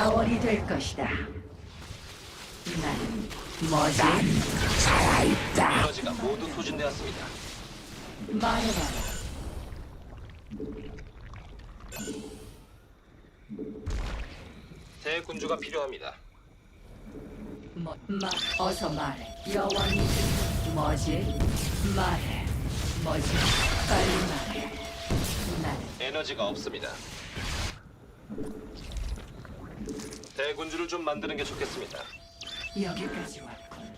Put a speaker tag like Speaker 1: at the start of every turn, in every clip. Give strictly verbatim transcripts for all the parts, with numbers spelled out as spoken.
Speaker 1: 자원이 될 것이다. 나는 뭐지?
Speaker 2: 살아있다.
Speaker 3: 에너지가 모두 소진되었습니다.
Speaker 1: 말해봐라.
Speaker 3: 대군주가 필요합니다.
Speaker 1: 뭐, 마, 어서 말해. 여왕이 뭐지? 말해. 뭐지? 빨리 말해. 나는
Speaker 3: 에너지가 없습니다. 대군주를 좀 만드는 게 좋겠습니다.
Speaker 1: 여기까지 왔군.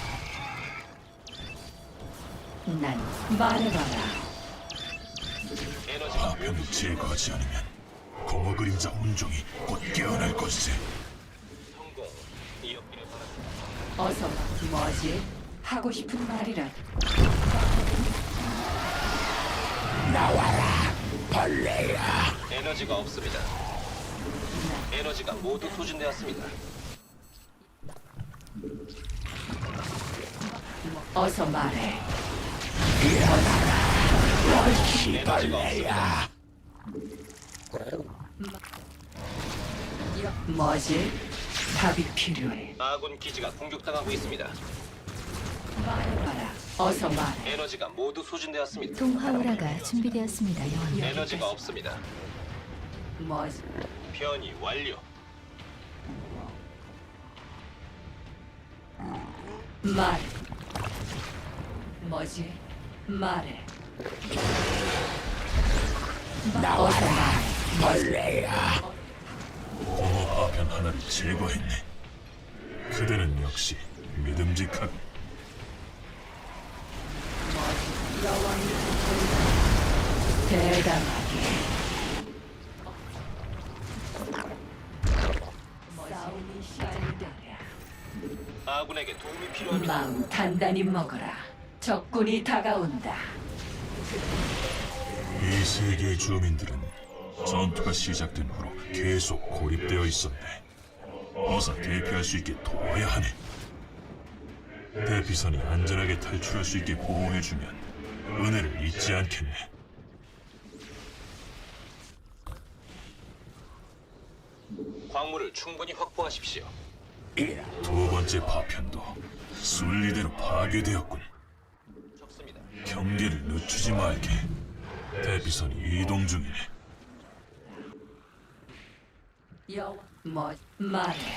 Speaker 1: 난 말해봐라.
Speaker 3: 에너지가
Speaker 2: 파편을 제거하지 않으면 공허 그림자 혼종이 곧 깨어날 것이지.
Speaker 3: 성공. 이었기를 바랍니다.
Speaker 1: 어서 말. 뭐지? 하고 싶은 말이라.
Speaker 2: 나와라, 벌레야.
Speaker 3: 에너지가 없습니다. 에너지가 모두 소진되었습니다.
Speaker 1: 어서 말해.
Speaker 3: 에너지가 없습니다.
Speaker 1: 여, 뭐지? 답이 필요해.
Speaker 3: 아군 기지가 공격당하고 있습니다.
Speaker 1: 말해봐라. 어서 말해.
Speaker 3: 에너지가 모두 소진되었습니다.
Speaker 4: 동화오라가 준비되었습니다, 여왕님.
Speaker 3: 에너지가 없습니다.
Speaker 1: 뭐지?
Speaker 3: 변이 완료.
Speaker 1: 말해. 뭐지? 말해. 어서 말해.
Speaker 2: 벌레야. 공허 파편 하나를 제거했네. 그대는 역시 믿음직한.
Speaker 1: 여왕이 대담하게. 싸움이 시작되랴.
Speaker 3: 아군에게 도움이 필요합니다.
Speaker 1: 마음 단단히 먹어라. 적군이 다가온다.
Speaker 2: 이 세계의 주민들은 전투가 시작된 후로 계속 고립되어 있었네. 어서 대피할 수 있게 도와야 하네. 대피선이 안전하게 탈출할 수 있게 보호해주면 은혜를 잊지 않겠네.
Speaker 3: 광물을 충분히 확보하십시오.
Speaker 2: 두 번째 파편도 순리대로 파괴되었군.
Speaker 3: 좋습니다.
Speaker 2: 경계를 늦추지 말게. 대피선이 이동 중이네.
Speaker 1: 여왕 뭐 말해.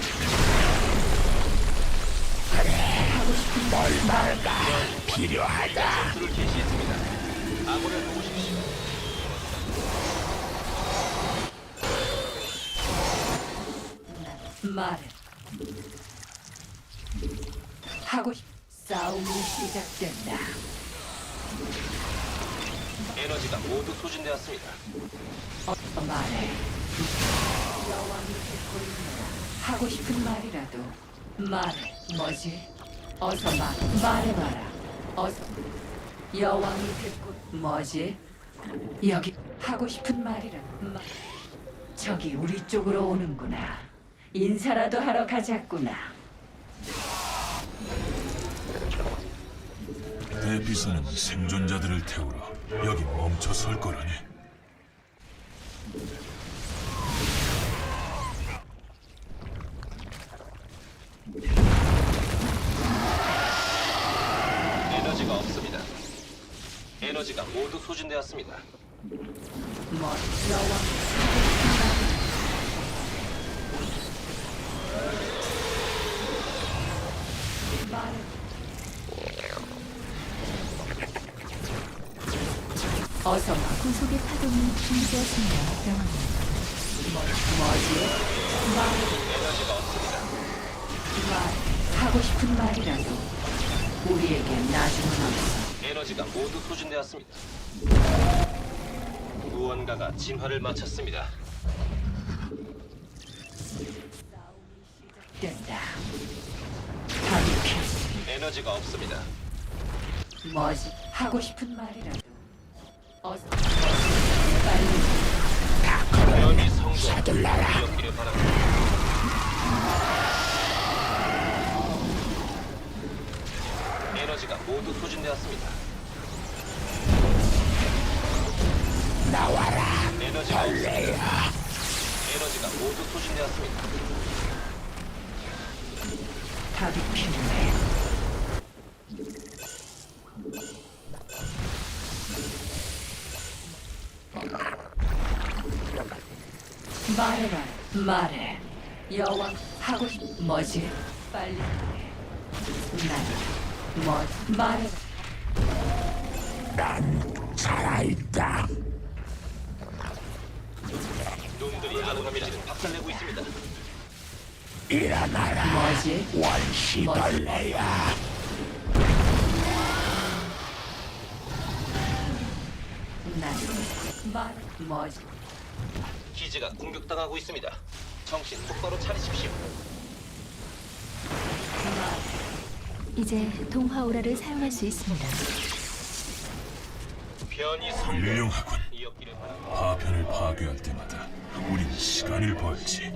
Speaker 2: 필요하다.
Speaker 3: 전투를 개시했습니다. 아군을 도우십시오.
Speaker 1: 말해. 하고 싶. 싸움이 시작된다.
Speaker 3: 에너지가 모두 소진되었습니다.
Speaker 1: 어서 말해. 여왕이 듣고 있노라. 하고 싶은 말이라도 말해. 뭐지? 어서 말. 말해봐라. 어서. 여왕이 듣고 뭐지? 여기 하고 싶은 말이라도 말. 저기 우리 쪽으로 오는구나. 인사라도 하러 가자꾸나.
Speaker 2: 대피선은 생존자들을 태우러 여기 멈춰 설 거라네.
Speaker 3: 에너지가 없습니다. 에너지가 모두 소진되었습니다.
Speaker 1: 뭐 여왕. 말해. 어서 말.
Speaker 4: 구속의 파동이 준비되었습니다, 여왕님.
Speaker 1: 뭐, 뭐지? 말.
Speaker 3: 에너지가 없습니다.
Speaker 1: 말. 하고 싶은 말이라도 우리에게 나중은 없어.
Speaker 3: 에너지가 모두 소진되었습니다. 무언가가 진화를 마쳤습니다.
Speaker 1: 된다. 답이 필요.
Speaker 3: 에너지가 없습니다.
Speaker 1: 뭐지? 하고 싶은 말이라도 어서 빨리.
Speaker 3: 변이 성공. 이었기를 바랍니다. 에너지가 모두 소진되었습니다.
Speaker 2: 나와라,
Speaker 3: 에너지가 없습니다.
Speaker 2: 벌레야.
Speaker 3: 에너지가 모두 소진되었습니다.
Speaker 1: 답이 필요해. 말해라, 말해. 여왕 하고 싶 뭐지? 빨리 말해. 난 뭐? 말해라.
Speaker 5: 살아있다.
Speaker 3: 놈들이 아군 기지를 박살내고 있습니다.
Speaker 5: 일어나라,
Speaker 1: 뭐지?
Speaker 5: 원시벌레야.
Speaker 1: 난말 뭐지?
Speaker 3: 기지가 공격당하고 있습니다. 정신 똑바로 차리십시오.
Speaker 4: 이제 동화 오라를 사용할 수 있습니다.
Speaker 3: 변이
Speaker 2: 훌륭하군.
Speaker 3: 이었기를 바랍니다.
Speaker 2: 파편을 파괴할 때마다 우린 시간을 벌지.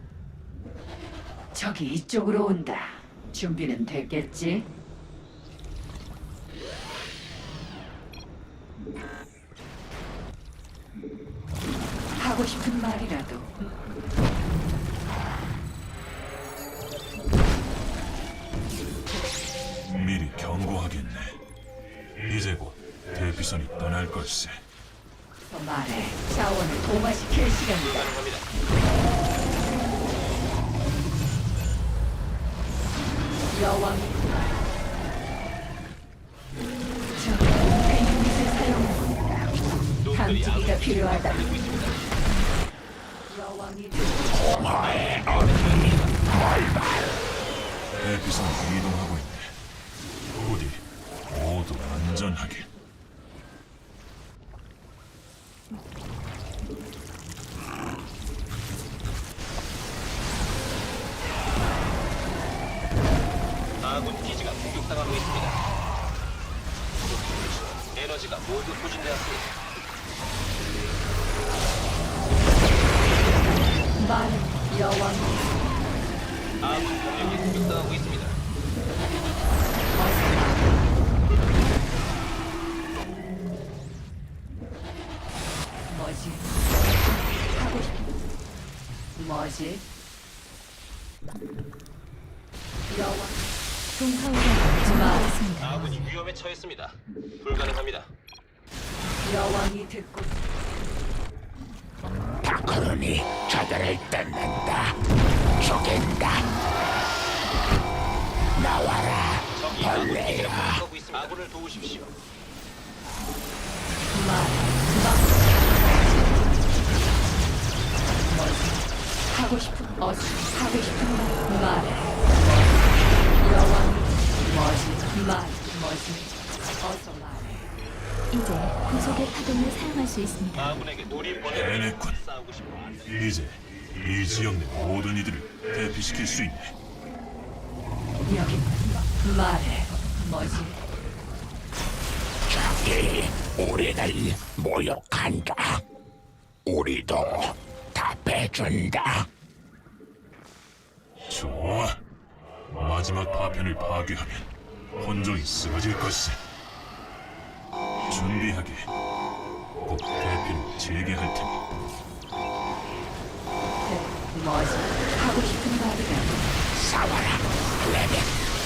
Speaker 1: 저기 이쪽으로 온다. 준비는 됐겠지? 하고 싶은 말이라도.
Speaker 2: 미리 경고하겠네. 이제 곧 대피선이 떠날 걸세.
Speaker 1: 더 말해. 자원을 도마시킬 시간이다.
Speaker 3: 가능합니다.
Speaker 1: 여왕이 저기 유닛을 사용한다.
Speaker 3: 놈들이
Speaker 1: 감지기가
Speaker 3: 아군 기지를
Speaker 1: 필요하다.
Speaker 3: 박살내고 있습니다.
Speaker 1: 여왕이
Speaker 2: 대피선이 이동하고 있네. 부디 모두 안전하게.
Speaker 3: 아군 기지가 공격당하고 있습니다. 에너지가 모두 소진되었습니다.
Speaker 1: 말해. 여왕이
Speaker 3: 아군 병력이 공격당하고 있습니다.
Speaker 1: 뭐지? 하고 싶은 뭐지? 여왕
Speaker 4: 동화 오라가 준비되었습니다.
Speaker 3: 아군이 위험에 처했습니다. 불가능합니다.
Speaker 1: 여왕이 듣고
Speaker 5: 다크론이 저들을 뜯는다. 죽인다. 나와라,
Speaker 3: 적이 아군 기지를
Speaker 5: 벌레야.
Speaker 3: 공격하고 있습니다. 아군을 도우십시오.
Speaker 1: 하고 싶은 어서 하고 싶은 말 말해. 여왕이 뭐지? 말 뭐지? 어서 말해.
Speaker 4: 이제 구속의 파동을 사용할 수 있습니다.
Speaker 3: 아군에게 우리 번역을
Speaker 2: 해냈군.
Speaker 3: 싸우고 싶어.
Speaker 2: 이제 이 지역 내 모든 이들을 대피시킬 수 있네.
Speaker 1: 여기 말해. 뭐지?
Speaker 5: 저기 우리를 모욕한다. 우리도 답해준다.
Speaker 2: 좋아. 마지막 파편을 파괴하면 혼종이 쓰러질 것세. 준비하게. 곧 대피를 재개할 테니.
Speaker 1: 뭐지? 하고 싶은 말이라도.
Speaker 5: 싸워라, 레벨.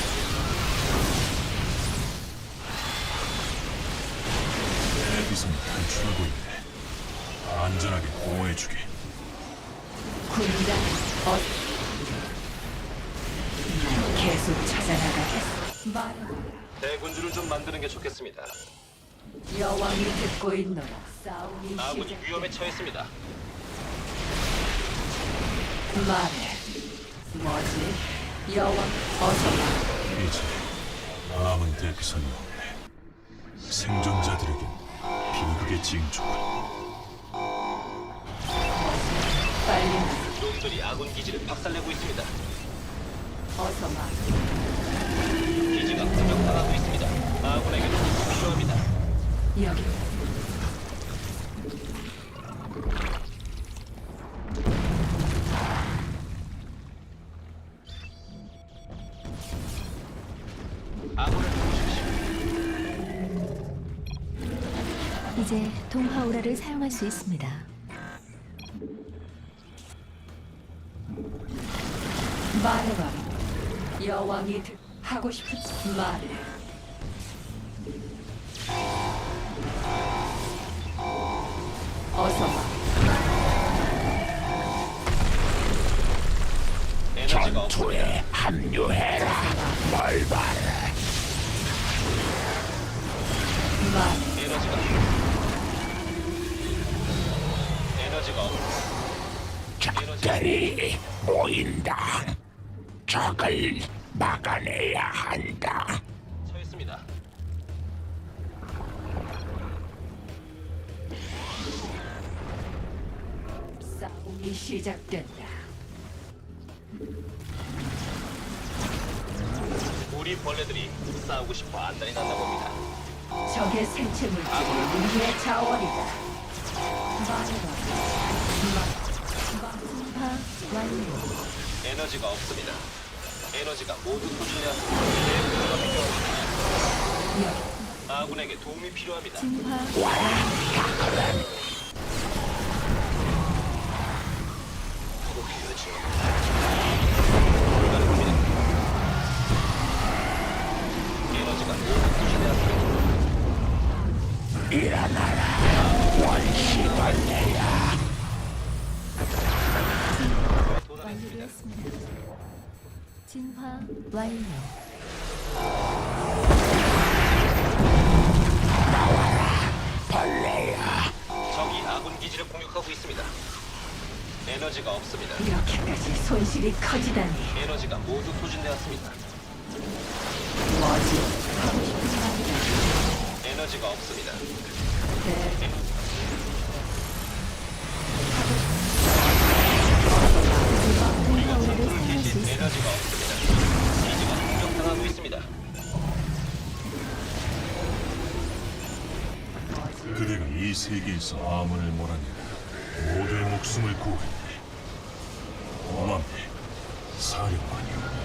Speaker 2: 대피선이 탈출하고 있네. 안전하게 보호해주게.
Speaker 1: 군단 어. 난 계속 찾아나가겠어. 말해.
Speaker 3: 대군주를 좀 만드는 게 좋겠습니다.
Speaker 1: 여왕이 듣고 있노라. 싸움이
Speaker 3: 아군이
Speaker 1: 시작.
Speaker 3: 위험에 처했습니다.
Speaker 1: 말해. 뭐지? 여왕 어서 말해.
Speaker 2: 이제 남은 대피선이 없네. 생존자들에겐 비극의 징조군.
Speaker 1: 빨리 말해.
Speaker 3: 놈들이 아군 기지를 박살내고 있습니다.
Speaker 1: 어서 말해.
Speaker 3: 기지가 공격당하고 있습니다. 아군에게 도움이 필요합니다.
Speaker 1: 여기.
Speaker 3: 아군을 도우십시오.
Speaker 4: 이제 동화 오라를 사용할 수 있습니다.
Speaker 1: 말해봐. 여왕이 듣 하고 싶은 말해. 어서 와.
Speaker 3: 에너지가 없습니다.
Speaker 5: 전투에 합류해라. 뭘 봐라.
Speaker 1: 말해.
Speaker 3: 에너지가 에너지가 없.
Speaker 5: 적들이 모인다. 적을 막아내야 한다.
Speaker 3: 서 있습니다.
Speaker 1: 싸움이 시작된다.
Speaker 3: 우리 벌레들이 싸우고 싶어 안달이 났나 봅니다.
Speaker 1: 적의 생체 물질이 우리의 자원이다. 말해봐.
Speaker 4: 진화 완료.
Speaker 3: 에너지가 없습니다. 에너지가 모두 소진되었습니다. 에너지가 필요합니다.
Speaker 1: 여,
Speaker 3: 아군에게 도움이 필요합니다.
Speaker 4: 진화
Speaker 3: 더 필요하죠. 불가능합니다. 에너지가 모두 소진되었습니다.
Speaker 5: 일어나라. 원시벌레야.
Speaker 4: 완료되었습니다. 진화 완료.
Speaker 5: 벌레야.
Speaker 3: 적이 아군 기지를 공격하고 있습니다. 에너지가 없습니다.
Speaker 1: 이렇게까지 손실이 커지다니.
Speaker 3: 에너지가 모두 소진되었습니다.
Speaker 1: 뭐지? 하고 싶은 말이다.
Speaker 3: 에너지가 없습니다.
Speaker 1: 네.
Speaker 4: 동화오라를 사용할 수 있습니다.
Speaker 3: 에너지가 없습니다. 기지가 공격당하고 있습니다.
Speaker 2: 그대가 이 세계에서 아문을 몰아내고 모두의 목숨을 구했네. 고맙네, 사령관이여.